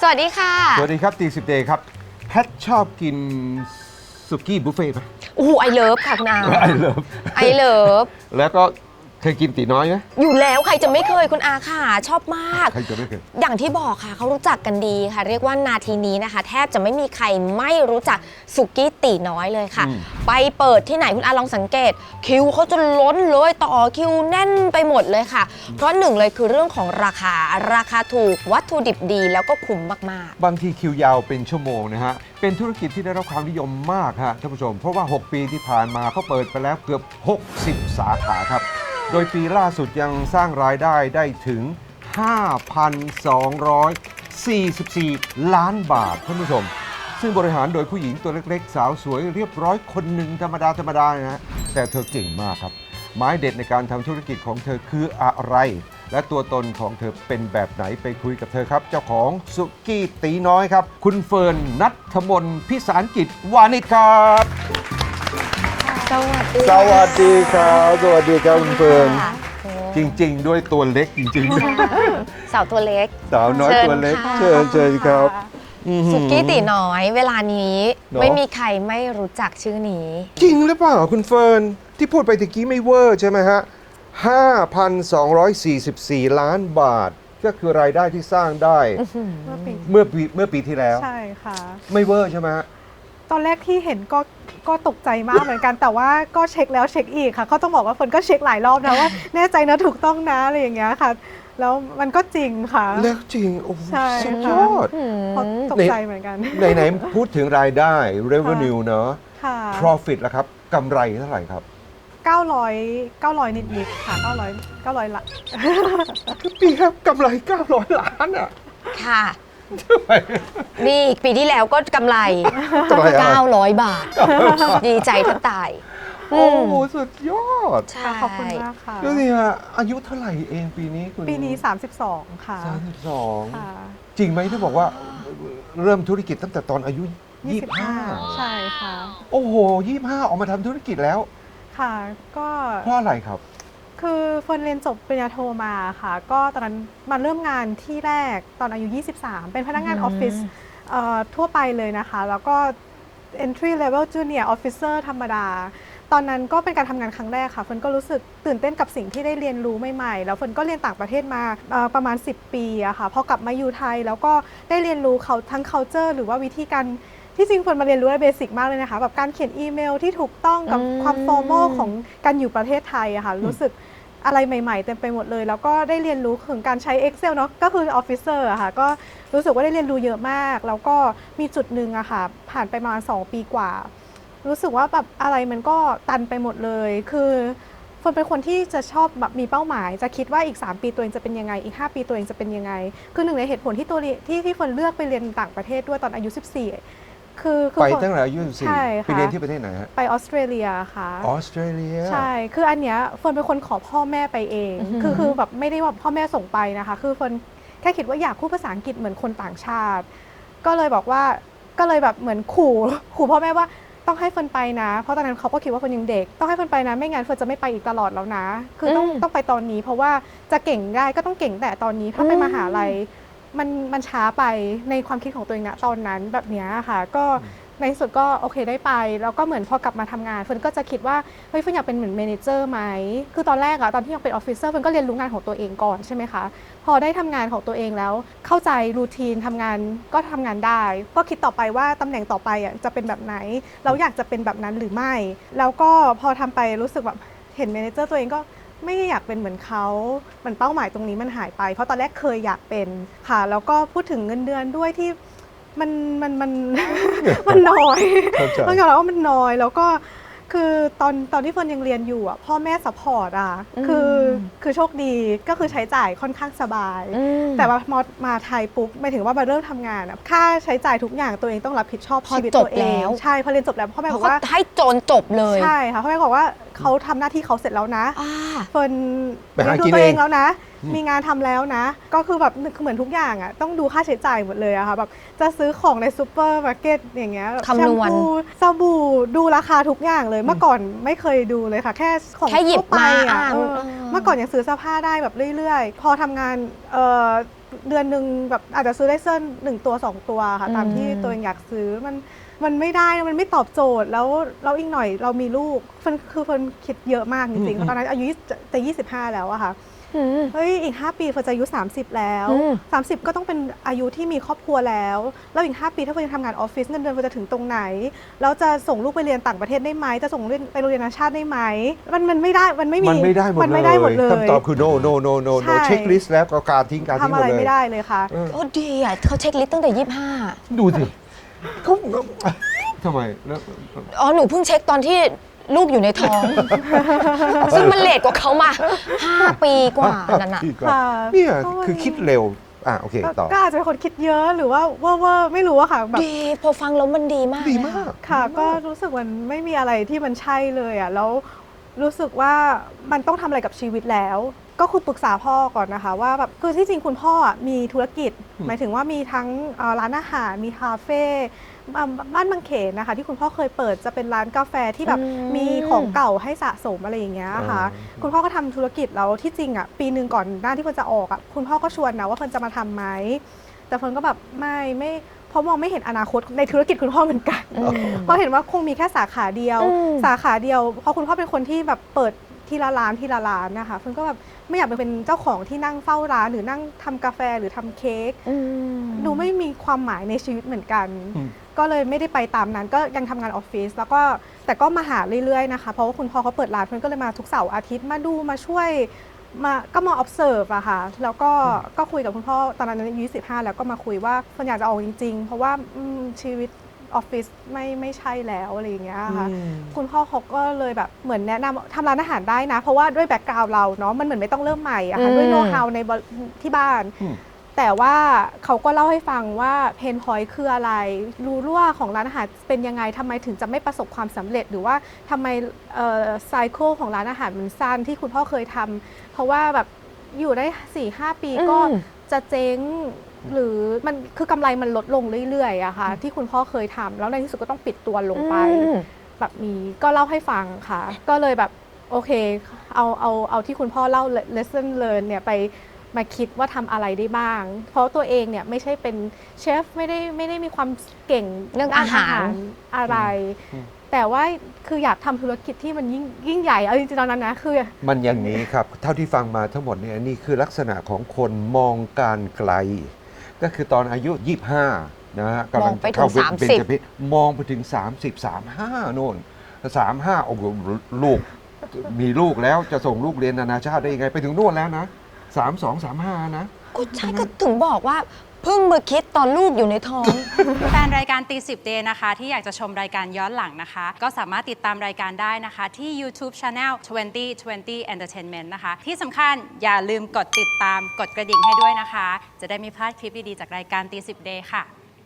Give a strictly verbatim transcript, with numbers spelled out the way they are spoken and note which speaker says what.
Speaker 1: สวัสดีค่ะ
Speaker 2: สวัสดีครับตีสิบเดย์ครับแพทชอบกินสุกี้บุฟเฟ่ต์ไหม
Speaker 1: โอ้โหไอเลิฟค่ะคุณอา
Speaker 2: ไอเลิฟ
Speaker 1: ไอเลิฟ
Speaker 2: แล้วก็เคยกินตีน้อยไหม
Speaker 1: อยู่แล้วใครจะไม่เคยคุณอาค่ะชอบมาก
Speaker 2: ใครจะไม่เคย
Speaker 1: อย่างที่บอกค่ะเขารู้จักกันดีค่ะเรียกว่านาทีนี้นะคะแทบจะไม่มีใครไม่รู้จักสุกี้ตีน้อยเลยค่ะไปเปิดที่ไหนคุณอาลองสังเกตคิวเขาจะล้นเลยต่อคิวแน่นไปหมดเลยค่ะเพราะหนึ่งเลยคือเรื่องของราคาราคาถูกวัตถุดิบดีแล้วก็คุ้มมาก
Speaker 2: ๆบางทีคิวยาวเป็นชั่วโมงนะฮะเป็นธุรกิจที่ได้รับความนิยมมากฮะท่านผู้ชมเพราะว่าหกปีที่ผ่านมาเขาเปิดไปแล้วเกือบหกสิบสาขาครับโดยปีล่าสุดยังสร้างรายได้ได้ถึง ห้าพันสองร้อยสี่สิบสี่ ล้านบาทท่านผู้ชมซึ่งบริหารโดยผู้หญิงตัวเล็กๆสาวสวยเรียบร้อยคนหนึ่งธรรมดาธรรมดานะฮะแต่เธอเก่งมากครับไม้เด็ดในการทำธุรกิจของเธอคืออะไรและตัวตนของเธอเป็นแบบไหนไปคุยกับเธอครับเจ้าของสุกี้ตีน้อยครับคุณเฟิร์นณัฐมนพิสารกิจวานิชครับ
Speaker 1: สวัสดี
Speaker 2: สวัสดีครับสวัสดีครับคุณเฟิร์นจริงๆด้วยตัวเล็กจริง
Speaker 1: ๆสาวตัวเล็ก
Speaker 2: สาวน้อยตัวเล็กเชิญเชิญครับ
Speaker 1: สุกี้ตีน้อยเวลานี้ไม่มีใครไม่รู้จักชื่อนี้
Speaker 2: จริงหรือเปล่าคุณเฟิร์นที่พูดไปตะกี้ไม่เวอร์ใช่ไหมฮะ ห้าพันสองร้อยสี่สิบสี่ ล้านบาทก็คือรายได้ที่สร้างได้เมื่อปีเมื่อปีที่แล้ว
Speaker 3: ใช่ค่ะ
Speaker 2: ไม่เวอร์ใช่ไหมฮะ
Speaker 3: ตอนแรกที่เห็นก็ก็ตกใจมากเหมือนกันแต่ว่าก็เช็คแล้วเช็คอีกค่ะเขาต้องบอกว่าฝนก็เช็คหลายรอบนะว่าแน่ใจนะถูกต้องนะอะไรอย่างเงี้ยค่ะแล้วมันก็จริงค่ะ
Speaker 2: แล้วจริงโอ้สุดยอด
Speaker 3: ตกใจเหมือนกัน
Speaker 2: ไหนๆพูดถึงรายได้ revenue เนอะ profit ล่ะครับกำไรเท่าไหร่ครับ
Speaker 3: เก้าร้อยเก้าร้อยนิดๆค่ะเก้าร้อยเก้าร้อยละ
Speaker 2: ปีครับกำไรเก้าร้อยล้านอ่ะ
Speaker 1: ค่ะนี่ปีที่แล้วก็กำไรเก้าร้อยบาทดีใจแทบตาย
Speaker 2: โอ้โหสุดยอด
Speaker 3: ขอบคุณมากค่ะ
Speaker 2: ดูสิฮะอายุเท่าไหร่เองปีนี้คุณ
Speaker 3: ปีนี้สามสิบสองค่ะ
Speaker 2: สามสิบสองจริงไหมที่บอกว่าเริ่มธุรกิจตั้งแต่ตอนอายุยี่สิบห้า
Speaker 3: ใช่ค่ะ
Speaker 2: โอ้โหยี่สิบห้าออกมาทำธุรกิจแล้ว
Speaker 3: ค่ะก็
Speaker 2: เพราะอะไรครับ
Speaker 3: คือเฟิร์นเรียนจบปริญญาโทมาค่ะก็ตอนนั้นมาเริ่มงานที่แรกตอนอายุยี่สิบสามเป็นพนักงานออฟฟิศทั่วไปเลยนะคะแล้วก็ entry level junior officer ธรรมดาตอนนั้นก็เป็นการทำงานครั้งแรกค่ะเฟิร์นก็รู้สึกตื่นเต้นกับสิ่งที่ได้เรียนรู้ใหม่ๆแล้วเฟิร์นก็เรียนต่างประเทศมาประมาณสิบปีอะค่ะพอกลับมาอยู่ไทยแล้วก็ได้เรียนรู้เขาทั้ง culture หรือว่าวิธีการที่จริงคนมาเรียนรู้ได้เบสิกมากเลยนะคะแบบการเขียนอีเมลที่ถูกต้องกับความฟอร์มอลของการอยู่ประเทศไทยอะค่ะรู้สึกอะไรใหม่ๆเต็มไปหมดเลยแล้วก็ได้เรียนรู้ถึงการใช้ Excel เนาะก็คือออฟฟิเซอร์อะค่ะก็รู้สึกว่าได้เรียนรู้เยอะมากแล้วก็มีจุดหนึ่งอะค่ะผ่านไปประมาณสองปีกว่ารู้สึกว่าแบบอะไรมันก็ตันไปหมดเลยคือเฟิร์นเป็นคนที่จะชอบแบบมีเป้าหมายจะคิดว่าอีกสามปีตัวเองจะเป็นยังไงอีกห้าปีตัวเองจะเป็นยังไงคือหนึ่งในเหตุผลที่ตัวที่ที่เฟิร์นเลือกไปเรียนต่างประเทศด้วยตอนอายุสิบสี่คือ
Speaker 2: ไปตั้งแต่อายุสิบสี่ไปเรียนที่ประเทศไหนฮะ
Speaker 3: ไปออสเตรเลียค่ะ
Speaker 2: ออสเตรเลีย
Speaker 3: ใช่คืออันเนี้ยเฟิร์นเป็นคนขอพ่อแม่ไปเองคือคือแบบไม่ได้ว่าพ่อแม่ส่งไปนะคะคือเฟิร์นแค่คิดว่าอยากพูดภาษาอังกฤษเหมือนคนต่างชาติก็เลยบอกว่าก็เลยแบบเหมือนขู่ขู่พ่อแม่ว่าต้องให้เฟิร์นไปนะเพราะตอนนั้นเขาก็คิดว่าเฟิร์นยังเด็กต้องให้เฟิร์นไปนะไม่งั้นเฟิร์นจะไม่ไปอีกตลอดแล้วนะคือต้องต้องไปตอนนี้เพราะว่าจะเก่งได้ก็ต้องเก่งแต่ตอนนี้ถ้าไปมหาลัยมันมันช้าไปในความคิดของตัวเองนะตอนนั้นแบบนี้ค่ะก็ในสุดก็โอเคได้ไปแล้วก็เหมือนพอกลับมาทำงานเฟิร์นก็จะคิดว่าเฮ้ยเฟิร์นอยากเป็นเหมือนเมเนเจอร์ไหมคือตอนแรกอะตอนที่ยังเป็นออฟฟิเซอร์เฟิร์นก็เรียนรู้งานของตัวเองก่อนใช่ไหมคะพอได้ทำงานของตัวเองแล้วเข้าใจรูทีนทำงานก็ทำงานได้ก็คิดต่อไปว่าตำแหน่งต่อไปอะจะเป็นแบบไหนเราอยากจะเป็นแบบนั้นหรือไม่แล้วก็พอทำไปรู้สึกแบบเห็นเมเนเจอร์ตัวเองก็ไม่อยากเป็นเหมือนเขาเหมือนเป้าหมายตรงนี้มันหายไปเพราะตอนแรกเคยอยากเป็นค่ะแล้วก็พูดถึงเงินเดือนด้วยที่มันมันมันมันน้อยต้องยอมรับว่ามันน้อยแล้วก็คือตอนตอนที่เฟิร์นยังเรียนอยู่อ่ะพ่อแม่ซัพพอร์ตอ่ะคือคือโชคดีก็คือใช้จ่ายค่อนข้างสบายแต่ว่ามามาไทยปุ๊บหมายถึงว่ามาเริ่มทำงานอ่ะค่าใช้จ่ายทุกอย่างตัวเองต้องรับผิดชอบชีวิตตัวเองใช่พอเรียนจบแล้วพ่อแม่บอกว่า
Speaker 1: ให้โจนจบเลย
Speaker 3: ใช่ค่ะพ่อแม่บอกว่าเขาทำหน้าที่เขาเสร็จแล้วนะเฟิร์นเลี้ยงดูตัวเองแล้วนะมีงานทำแล้วนะก็คือแบบเหมือนทุกอย่างอ่ะต้องดูค่าใช้จ่ายหมดเลยอะค่ะแบบจะซื้อของในซูเปอร์มาร์เก็ตอย่างเงี้ย
Speaker 1: แชมพู
Speaker 3: สบู่ดูราคาทุกอย่างเลยเมื่อก่อนไม่เคยดูเลยค่ะแค่ของทั่วไปอ่ะเมื่อก่อนยังซื้อเสื้อผ้าได้แบบเรื่อยๆพอทำงานเดือนหนึ่งแบบอาจจะซื้อได้เสื้อหนึ่งตัวสองตัวค่ะตามที่
Speaker 1: อืม
Speaker 3: ตัวเองอยากซื้อมันมันไม่ได้มันไม่ตอบโจทย์แล้วเราอีกหน่อยเรามีลูกเฟิร์นคือเฟิร์นคิดเยอะมากจริงๆเพราะตอนนั้นอายุจะยี่สิบห้าแล้วอะค่ะ
Speaker 1: อืม
Speaker 3: เฮ้ยอีกห้าปีเฟิร์นจะอายุสามสิบแล้ว
Speaker 1: อืม
Speaker 3: สามสิบก็ต้องเป็นอายุที่มีครอบครัวแล้วแล้วอีกห้าปีถ้าเฟิร์นยังทำงานออฟฟิศเงินเดือนเฟิร์นจะถึงตรงไหนแล้วจะส่งลูกไปเรียนต่างประเทศได้ไหมจะส่งเรียนไปโรงเรียนนานาชาติได้ไหมมันมันไม่ได้มันไม่มี
Speaker 2: มันไม่ได้หมด
Speaker 3: มันไม่ได้หมดเลย
Speaker 2: คำตอบคือ no no no no
Speaker 3: ใช่
Speaker 2: no เช็คลิสต์แล้วก็การทิ้งการทิ้ง
Speaker 3: ทำ
Speaker 2: หม
Speaker 3: อะ
Speaker 2: ด
Speaker 3: ไร
Speaker 2: เลย
Speaker 3: ไม่ได้เลยค่ะ
Speaker 2: เออ
Speaker 1: โอ้ดีอ่ะเขาเช็คลิสต์ตั้งแต่ยี่สิบห้า
Speaker 2: ดูสิเขาทำไมแล้ว
Speaker 1: อ๋อหนูเพิ่งเช็คตอนที่ลูกอยู่ในท้อง ซึ่งมันเลทกว่าเขามาห้าปีกว่านั่นน่ะ
Speaker 2: พี่ก็
Speaker 3: ค่ะ
Speaker 2: เนี่ย
Speaker 3: เพราะว่า
Speaker 2: คือคิดเร็วอ่ะโอเคต่อ
Speaker 3: ก็อาจจะเป็นคนคิดเยอะหรือว่าเว่อร์ๆไม่รู้อะค่ะแบบ
Speaker 1: ดีพอฟังแล้วมันดีมาก
Speaker 2: ดี
Speaker 1: เลย
Speaker 2: มาก
Speaker 3: ค่ะก็รู้สึกมันไม่มีอะไรที่มันใช่เลยอ่ะแล้วรู้สึกว่ามันต้องทำอะไรกับชีวิตแล้ว ก็คือปรึกษาพ่อก่อนนะคะว่าแบบคือที่จริงคุณพ่ออะมีธุรกิจ หมายถึงว่ามีทั้งเอ่อร้านอาหารมีคาเฟ่อ่าบ้านบางเขนนะคะที่คุณพ่อเคยเปิดจะเป็นร้านกาแฟที่แบบ
Speaker 1: อืม
Speaker 3: มีของเก่าให้สะสมอะไรอย่างเงี้ยค่ะ
Speaker 2: อ๋อ
Speaker 3: คุณพ่อก็ทำธุรกิจแล้วที่จริงอ่ะปีหนึ่งก่อนหน้าที่เฟิร์นจะออกอ่ะคุณพ่อก็ชวนนะว่าเฟิร์นจะมาทำไหมแต่เฟิร์นก็แบบไม่ไม่เพราะมองไม่เห็นอนาคตในธุรกิจคุณพ่อเหมือนกัน
Speaker 1: อืม
Speaker 3: เพราะเห็นว่าคงมีแค่สาขาเดียว
Speaker 1: อืม
Speaker 3: สาขาเดียวเพราะคุณพ่อเป็นคนที่แบบเปิดทีละร้านทีละร้านนะคะเฟิร์นก็แบบไม่อยากไปเป็นเจ้าของที่นั่งเฝ้าร้านหรือนั่งทำกาแฟหรือทำเค้ก
Speaker 1: อืม
Speaker 3: ดูไม่มีความหมายในชีวิตเหมือนกัน
Speaker 2: อืม
Speaker 3: ก็เลยไม่ได้ไปตามนั้นก็ยังทำงานออฟฟิศแล้วก็แต่ก็มาหาเรื่อยๆนะคะเพราะว่าคุณพ่อเขาเปิดร้านเฟิร์นก็เลยมาทุกเสาร์อาทิตย์มาดูมาช่วยมาก็มา observe อะค่ะแล้วก็ก็คุยกับคุณพ่อตอนนั้นอายุยี่สิบห้าแล้วก็มาคุยว่าเฟิร์นอยากจะออกจริงๆ เพราะว่าอืมชีวิตออฟฟิศไม่ไม่ใช่แล้วอะไรอย่างเงี้ยค่ะ
Speaker 2: อืม
Speaker 3: คุณพ่อเขาก็เลยแบบเหมือนแนะนำทำร้านอาหารได้นะ เพราะว่าด้วยแบ็กกราวด์เราเนาะมันเหมือนไม่ต้องเริ่มใหม่อะค่ะ
Speaker 1: อืม
Speaker 3: ด้วยโน้ตฮาวในบที่บ้าน
Speaker 2: อืม
Speaker 3: แต่ว่าเขาก็เล่าให้ฟังว่าเพนพอยต์คืออะไร รูรั่วของร้านอาหารเป็นยังไงทำไมถึงจะไม่ประสบความสำเร็จ หรือว่าทำไมไซเคิลของร้านอาหารมันสั้นที่คุณพ่อเคยทำเพราะว่าแบบอยู่ได้ สี่ห้า ปีก็
Speaker 1: อืม
Speaker 3: จะเจ๊ง หรือมันคือกำไรมันลดลงเรื่อยๆอะค่ะที่คุณพ่อเคยทำแล้วในที่สุดก็ต้องปิดตัวลงไป
Speaker 1: อืม
Speaker 3: แบบนี้ก็เล่าให้ฟังค่ะ ก็เลยแบบโอเคเอาเอาเอาที่คุณพ่อเล่า lesson learn เนี่ยไปมาคิดว่าทำอะไรได้บ้าง เพราะตัวเองเนี่ยไม่ใช่เป็นเชฟไม่ได้ไม่ได้มีความเก่ง
Speaker 1: เรื่อง
Speaker 3: ด้น
Speaker 1: อาหาร
Speaker 3: อะไร
Speaker 2: อืม
Speaker 3: แต่ว่าคืออยากทำธุรกิจที่มันยิ่งยิ่งใหญ่เอาจริงๆตอนนั้นนะคือ
Speaker 2: มันอย่างนี้ครับ เท่าที่ฟังมาทั้งหมดเนี่ยนี่คือลักษณะของคนมองการไกล ก็คือตอนอายุ ยี่สิบห้า นะฮะกำลั
Speaker 1: มองไปถึง
Speaker 2: เข้าเบญ
Speaker 1: สามสิบ
Speaker 2: จเพศมองไปถึง สามสิบ สามสิบห้า โน่น สามสิบห้า โอ้โหลูก มีลูกแล้วจะส่งลูกเรียนนานาชาติได้ยังไง ไปถึงโน่นแล้วนะ สามสิบสอง สามสิบห้า นะ
Speaker 1: ก็ใช่ก็ถึงบอกว่าเพิ่งมาคิดตอนลูกอยู่ในท้อง
Speaker 4: แฟนรายการตีสิบเดย์นะคะที่อยากจะชมรายการย้อนหลังนะคะ ก็สามารถติดตามรายการได้นะคะ ที่ YouTube Channel ยี่สิบ ยี่สิบ Entertainment นะคะ ที่สำคัญอย่าลืมกดติดตามกดกระดิ่งให้ด้วยนะคะ จะได้ไม่พลาดคลิปดี ๆ จากรายการตีสิบเดย์ค่ะ